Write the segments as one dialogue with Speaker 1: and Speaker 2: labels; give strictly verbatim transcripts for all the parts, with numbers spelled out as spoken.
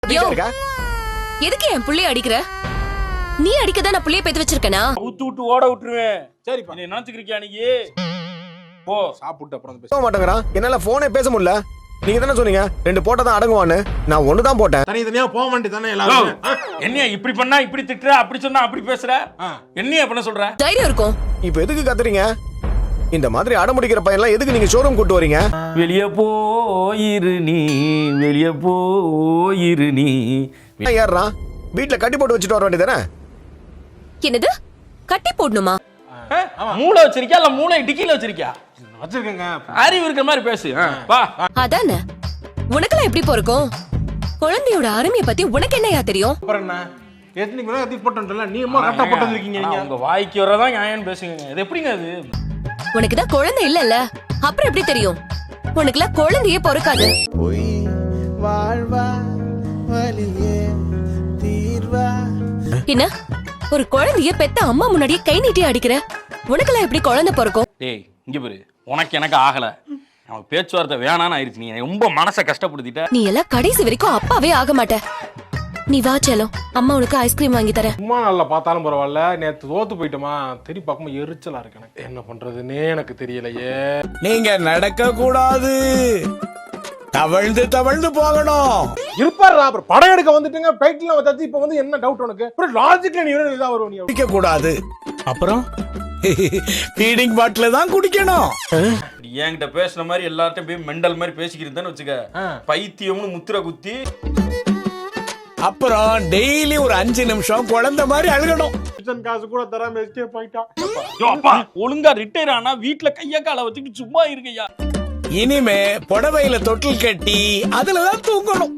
Speaker 1: எதுக்கு என் புள்ளைய அடிக்கிற? நீ அடிக்கதான் நான் புள்ளைய பேத்து வச்சிருக்கேனா?
Speaker 2: ஊத்து விட்டு ஓட விட்டுருவேன். சரிப்பா, நீ நினைச்சுக்கிறியா நீ? போ சாப்பிட்டு அப்புறம்
Speaker 3: பேச மாட்டேங்கிறான். என்னால போனே பேச முடியல. நீங்க தானே சொன்னீங்க ரெண்டு போட்டா தான் அடங்குவான்னு. நான் ஒண்ணு தான் போட்டேன்.
Speaker 4: தனி தனியா போக வேண்டியது தானே எல்லாரும்.
Speaker 2: என்னையா இப்படி பண்ணா இப்படி திட்டுற, அப்படி சொன்னா அப்படி பேசுற? என்னையா பண்ண சொல்ற?
Speaker 1: தைரியம் இருக்கும்.
Speaker 3: இப்போ எதுக்கு கத்துறீங்க? இந்த மாதிரி அடமுடிக்கிற பையன்லாம் எதுக்கு நீங்க ஷோரூம் கூட்டு வரீங்க?
Speaker 2: வெளிய போயிரு நீ, வெளிய போயிரு நீ.
Speaker 3: ஏறான் வீட்டுல கட்டி போட்டு வச்சுட்டு வர வேண்டியதானே?
Speaker 1: என்னது கட்டி போடணுமா?
Speaker 2: மூளை வச்சிருக்கியா இல்ல மூளை டிக்கில வச்சிருக்கியா?
Speaker 4: வச்சிருக்கேங்க.
Speaker 2: அறிவு இருக்கிற மாதிரி பேசு. வா.
Speaker 1: அதானே உனக்கெல்லாம் எப்படி போறக்கும்? குழந்தையோட அருமையை பத்தி உனக்கு என்னையா தெரியும்?
Speaker 4: அப்புறம் என்ன எத்தனை கூட கத்தி போட்டோம்ல, நீ அம்மா கரெக்டா போட்டு வந்திருக்கீங்க. நீங்க
Speaker 2: உங்க வாய்க்கு வரதான் நியாயம் பேசுங்க. இது எப்படிங்க அது?
Speaker 1: உனக்கு தான் குழந்தை இல்லல்ல, அப்புறம் எப்படி தெரியும்? உனக்குலாம் குழந்தையே பொறுக்காது.
Speaker 5: போய் வாழ்வா வலியே தீர்வா.
Speaker 1: என்ன ஒரு குழந்தைய பெத்த அம்மா முன்னாடியே கை நீட்டி அடிக்கிற? உனக்கெல்லாம் எப்படி குழந்தை பொறுக்கும்?
Speaker 2: டேய் இங்க பாரு, உனக்கு எனக்கு ஆகல, நமக்கு பேச்சுவார்த்தை வேணான்னு ஆயிருச்சு. நீ ரொம்ப மனசை கஷ்டப்படுத்திட்ட.
Speaker 1: நீ எல்லாம் கடைசி வரைக்கும் அப்பாவே ஆக மாட்ட. நீ வா செல்லம், அம்மா உனக்கு ஐஸ்கிரீம் வாங்கி தரேன்.
Speaker 4: சும்மா நல்லா பார்த்தாலும் பரவாயில்ல, நேற்று தோத்து போயிட்டோமா, திருப்பி பார்க்கும்போது எரிச்சலா இருக்கு எனக்கு. என்ன பண்றதுன்னே எனக்கு தெரியலையே.
Speaker 5: நீங்க நடக்க கூடாது, தவழ்ந்து தவழ்ந்து போகணும்.
Speaker 4: இருப்பாரா அப்புறம் படம் எடுக்க வந்துட்டுங்க, பைட்ல வந்தாச்சு. இப்போ வந்து என்ன டவுட் உனக்கு? அப்புறம் லாஜிக்ல நீ வேற இதா வருவ. நீ
Speaker 5: குடிக்க கூடாது, அப்புறம் ஃபீடிங் பாட்டில தான் குடிக்கணும்.
Speaker 2: என்கிட்ட பேசுற மாதிரி எல்லார்ட்டையும் போய் மெண்டல் மாதிரி பேசிக்கிறதுன்னு வச்சுக்க, பைத்தியம்னு முத்திர குத்தி.
Speaker 5: அப்புறம் டெய்லி ஒரு அஞ்சு நிமிஷம் குழந்தை மாதிரி அழுகணும்.
Speaker 4: கிச்சன் காசு கூட தராம எஸ்கேப் ஆயிட்டான்.
Speaker 2: அப்பா ஒழுங்கா ரிட்டையர் ஆனா வீட்டுல கைய கால வச்சுட்டு சும்மா இருக்கையா.
Speaker 5: இனிமே புடவையில தொட்டில் கட்டி அதுலதான் தூங்கணும்.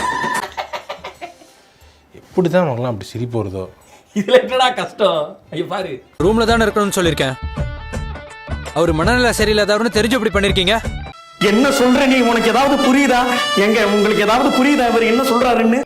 Speaker 4: எப்படிதான் அவங்களாம் அப்படி சிரிப்பு வருதோ?
Speaker 2: இதுல என்னடா கஷ்டம்? ஐயா பாரு,
Speaker 6: ரூம்ல தானே இருக்கணும்னு சொல்லிருக்கேன். அவர் மனநிலை சரியில்லாதவர்னு தெரிஞ்சு இப்படி பண்ணிருக்கீங்க.
Speaker 7: என்ன சொல்ற நீ? உனக்கு ஏதாவது புரியுதா? எங்க உங்களுக்கு ஏதாவது புரியுதா இவர் என்ன சொல்றாருன்னு?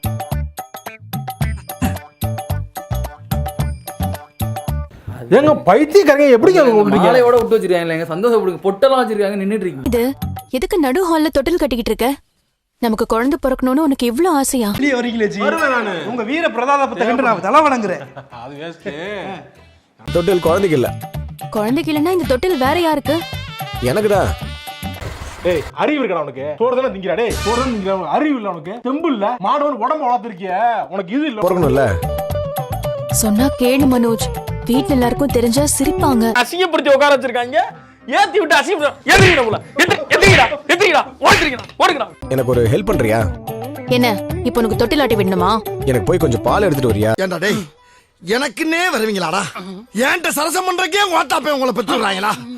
Speaker 4: ஏங்க பைத்தியக்காரங்க எப்படிங்க
Speaker 8: மாலையோட விட்டு வச்சிருக்காங்க, சந்தோஷப்படுங்க, பொட்டெல்லாம் வச்சிருக்காங்க, நின்னுட்டு இருக்கீங்க.
Speaker 1: இது எதுக்கு நடு ஹால்ல தொட்டில் கட்டிக்கிட்டு இருக்க? நமக்கு குழந்தை பிறக்கணும்னு உனக்கு இவ்வளவு ஆசையா?
Speaker 7: உங்க வீர பிரதாபத்தை கண்டு நான் தலை வணங்குறேன்.
Speaker 4: அது வேஸ்ட்.
Speaker 3: தொட்டில் குழந்தைக்கு இல்ல.
Speaker 1: குழந்தைக்கு இல்லைன்னா இந்த தொட்டில் வேற யாருக்கு?
Speaker 3: எனக்குதான்.
Speaker 4: டேய் அறிவு இருக்கா உனக்கு? சோறு தானே திங்கிறா? டேய் சோறு தானே திங்கிறா? அறிவு இல்ல உனக்கு? தெம்பு இல்ல? மாடவன் உடம்பு வளர்த்திருக்கிய, உனக்கு இது இல்ல?
Speaker 3: பொறுக்கணும்ல.
Speaker 1: சொன்னா கேளு மனோஜ், வீட்டுல எல்லாருக்கும் தெரிஞ்சா சிரிப்பாங்க.
Speaker 2: அசிங்கப்படுத்தி உட்கார வச்சிருக்காங்க. ஏத்தி விட்டு அசிங்கப்படுத்த எதிரிடா எதிரிடா எதிரிடா ஓடுறீங்கடா ஓடுங்கடா.
Speaker 3: எனக்கு ஒரு ஹெல்ப் பண்றியா?
Speaker 1: என்ன இப்போ உனக்கு தொட்டில் ஆட்டி விடணுமா?
Speaker 3: எனக்கு போய் கொஞ்சம் பால் எடுத்துட்டு வரியா?
Speaker 5: ஏண்டா டேய், எனக்குன்னே வருவீங்களாடா? ஏன்ட்ட சரசம் பண்றக்கே ஓட்டாப்பே உங்களை பெற்றுறாங்களா?